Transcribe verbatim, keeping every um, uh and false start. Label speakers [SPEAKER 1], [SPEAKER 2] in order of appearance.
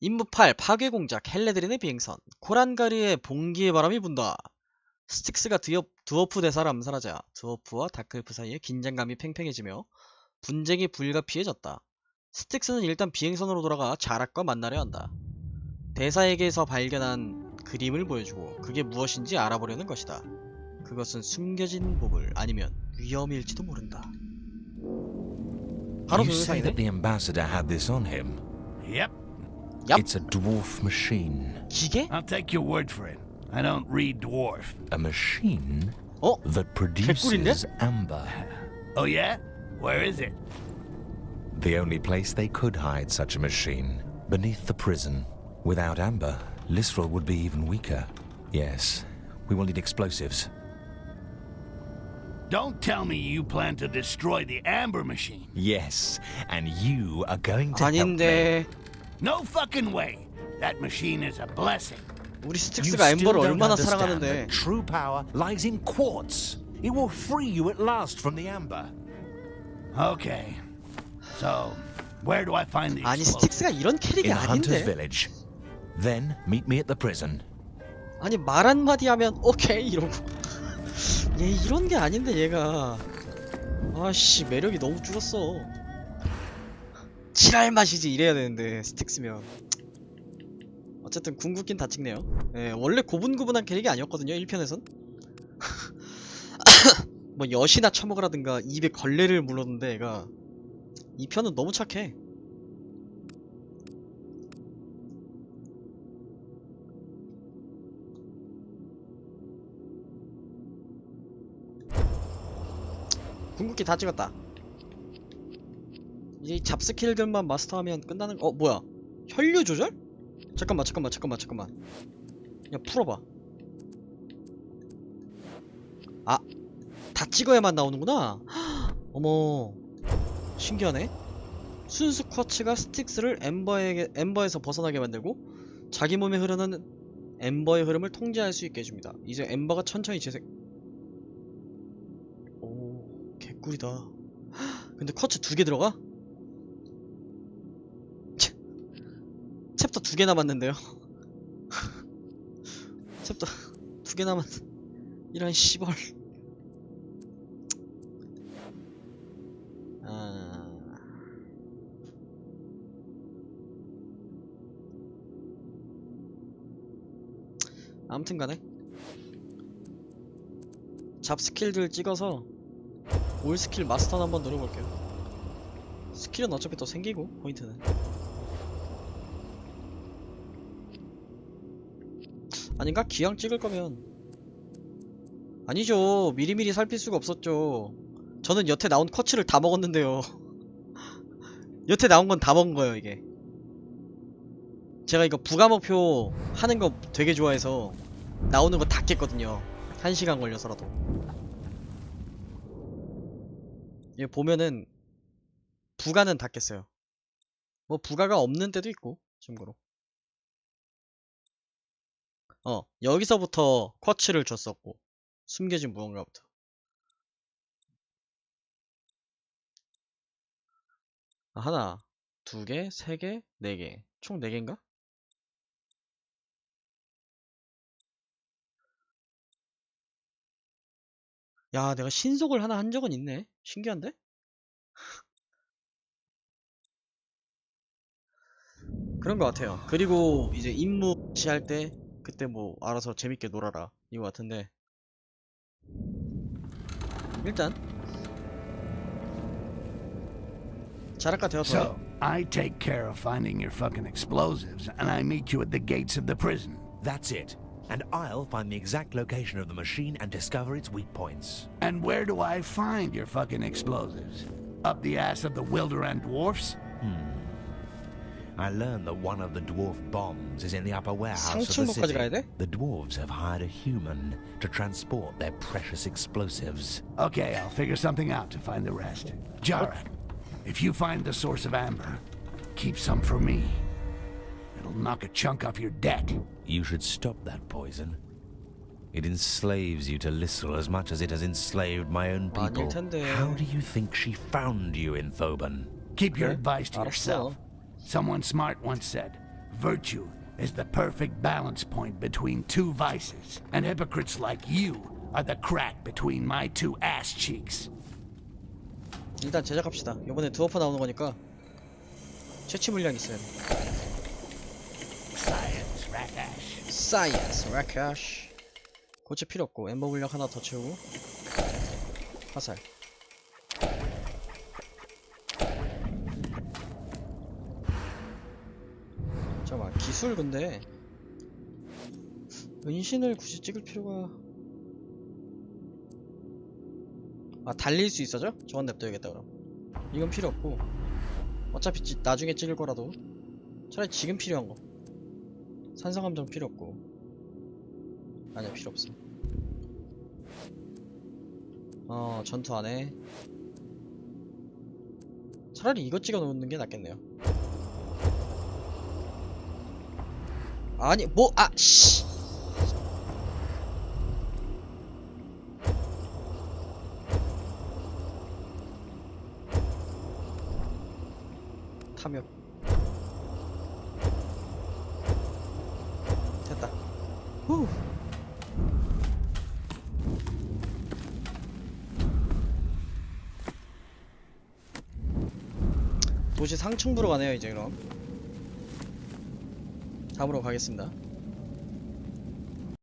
[SPEAKER 1] 임무 팔 파괴 공작 헬레드린의 비행선 코란가리의 봉기의 바람이 분다. 스틱스가 드워, 드워프 대사를 암살하자 드워프와 다크엘프 사이에 긴장감이 팽팽해지며 분쟁이 불가피해졌다. 스틱스는 일단 비행선으로 돌아가 자락과 만나려 한다. 대사에게서 발견한 그림을 보여주고 그게 무엇인지 알아보려는 것이다. 그것은 숨겨진 보물 아니면 위험일지도 모른다. 바로
[SPEAKER 2] You say
[SPEAKER 1] 변호사이네?
[SPEAKER 2] that the ambassador had this on him.
[SPEAKER 3] Yep,
[SPEAKER 1] 얍!
[SPEAKER 2] It's a dwarf machine.
[SPEAKER 1] 기계?
[SPEAKER 3] I'll take your word for it. I don't read dwarf.
[SPEAKER 2] A machine
[SPEAKER 1] 어?
[SPEAKER 2] that
[SPEAKER 1] 개꿀인데?
[SPEAKER 2] produces amber.
[SPEAKER 3] Oh yeah? Where is it?
[SPEAKER 2] The only place they could hide such a machine. Beneath the prison. Without amber, Lisrel would be even weaker. Yes, we will need explosives.
[SPEAKER 3] Don't tell me you plan to destroy the amber machine.
[SPEAKER 2] Yes, and you are going to help me.
[SPEAKER 1] 아닌데
[SPEAKER 3] No fucking way. That machine is a blessing.
[SPEAKER 1] 우리
[SPEAKER 2] You
[SPEAKER 1] 스틱스가
[SPEAKER 2] still
[SPEAKER 1] 엠버를
[SPEAKER 2] don't
[SPEAKER 1] 얼마나
[SPEAKER 2] understand
[SPEAKER 1] 사랑하는데.
[SPEAKER 2] that true power lies in quartz. It will free you at last from the amber.
[SPEAKER 3] Okay. So, where do I find the
[SPEAKER 1] 아니
[SPEAKER 3] explosives?
[SPEAKER 1] 스틱스가 이런 캐릭이
[SPEAKER 2] In Hunter's
[SPEAKER 1] 아닌데.
[SPEAKER 2] Village. Then meet me at the prison.
[SPEAKER 1] 아니 말 한마디 하면 오케이 이러고. 얘 이런 게 아닌데 얘가. 아씨 매력이 너무 줄었어. 칠할 맛이지 이래야 되는데 스틱스면. 어쨌든 궁극기는 다 찍네요. 예, 원래 고분고분한 캐릭이 아니었거든요 일 편에선. 뭐 엿이나 처먹으라든가 입에 걸레를 물었는데 얘가 이 편은 너무 착해. 궁극기 다 찍었다. 이제 이 잡스킬들만 마스터하면 끝나는. 어 뭐야 혈류 조절? 잠깐만 잠깐만 잠깐만 잠깐만 야 풀어봐. 아 다 찍어야만 나오는구나. 헉, 어머 신기하네. 순수 쿼츠가 스틱스를 엠버에게, 엠버에서 벗어나게 만들고 자기 몸에 흐르는 엠버의 흐름을 통제할 수 있게 해줍니다. 이제 엠버가 천천히 재생. 오 개꿀이다. 헉, 근데 쿼츠 두 개 들어가? 챕- 챕터 두 개 남았는데요. 챕터 두 개 남았. 이런 씨벌. 아... 아무튼간에 잡 스킬들 찍어서 올 스킬 마스터 한번 노려볼게요. 스킬은 어차피 더 생기고 포인트는. 아닌가? 기왕 찍을 거면. 아니죠. 미리미리 살필 수가 없었죠. 저는 여태 나온 쿼츠를 다 먹었는데요. 여태 나온 건 다 먹은 거예요 이게. 제가 이거 부가목표 하는 거 되게 좋아해서 나오는 거 다 깼거든요. 한 시간 걸려서라도. 이거 보면은 부가는 다 깼어요. 뭐 부가가 없는 때도 있고 참고로. 어 여기서부터 쿼츠를 줬었고 숨겨진 무언가부터. 아, 하나, 두 개, 세 개, 네 개. 총 네 개인가? 야, 내가 신속을 하나 한 적은 있네. 신기한데? 그런 것 같아요. 그리고 이제 임무 시할 때 그때 뭐 알아서 재밌게 놀아라 이거 같은데. 일단 자락가 되어서
[SPEAKER 3] So, I take care of finding your fucking explosives, and I meet you at the gates of the prison.
[SPEAKER 2] That's it. And I'll find the exact location of the machine and discover its weak points.
[SPEAKER 3] And where do I find your fucking explosives? Up the ass of the Wilderan dwarfs?
[SPEAKER 2] I learned that one of the dwarf bombs is in the upper warehouse of the
[SPEAKER 1] 상층부까지 가야
[SPEAKER 2] city.
[SPEAKER 1] 돼?
[SPEAKER 2] The dwarves have hired a human to transport their precious explosives.
[SPEAKER 3] Okay, I'll figure something out to find the rest. Jarak, if you find the source of amber, keep some for me. It'll knock a chunk off your debt.
[SPEAKER 2] You should stop that poison. It enslaves you to Lissel as much as it has enslaved my own people.
[SPEAKER 1] 아닐 텐데.
[SPEAKER 2] How do you think she found you in Thoban?
[SPEAKER 3] Keep your
[SPEAKER 1] Okay,
[SPEAKER 3] advice to
[SPEAKER 1] 알았어.
[SPEAKER 3] yourself. Someone smart once said, Virtue is the perfect balance point between two vices, and hypocrites like you are the crack between my two ass cheeks.
[SPEAKER 1] 일단 제작합시다. 이번에 드워프 나오는 거니까 채취 물량 있어야 돼.
[SPEAKER 3] Science, Rakash.
[SPEAKER 1] 사이언스 라카시. 고체 필요 없고 엠버 물량 하나 더 채우고 화살. 잠깐만, 기술 근데 은신을 굳이 찍을 필요가... 아, 달릴 수 있어져? 저건 냅둬야겠다 그럼. 이건 필요 없고 어차피 찌, 나중에 찍을 거라도 차라리 지금 필요한 거. 산성함정 필요 없고. 아니야, 필요 없어. 어, 전투 안해. 차라리 이거 찍어 놓는 게 낫겠네요. 아니, 뭐, 아, 씨! 탐욕. 됐다. 후. 도시 상층부로 가네요, 이제 그럼. 다음으로 가겠습니다.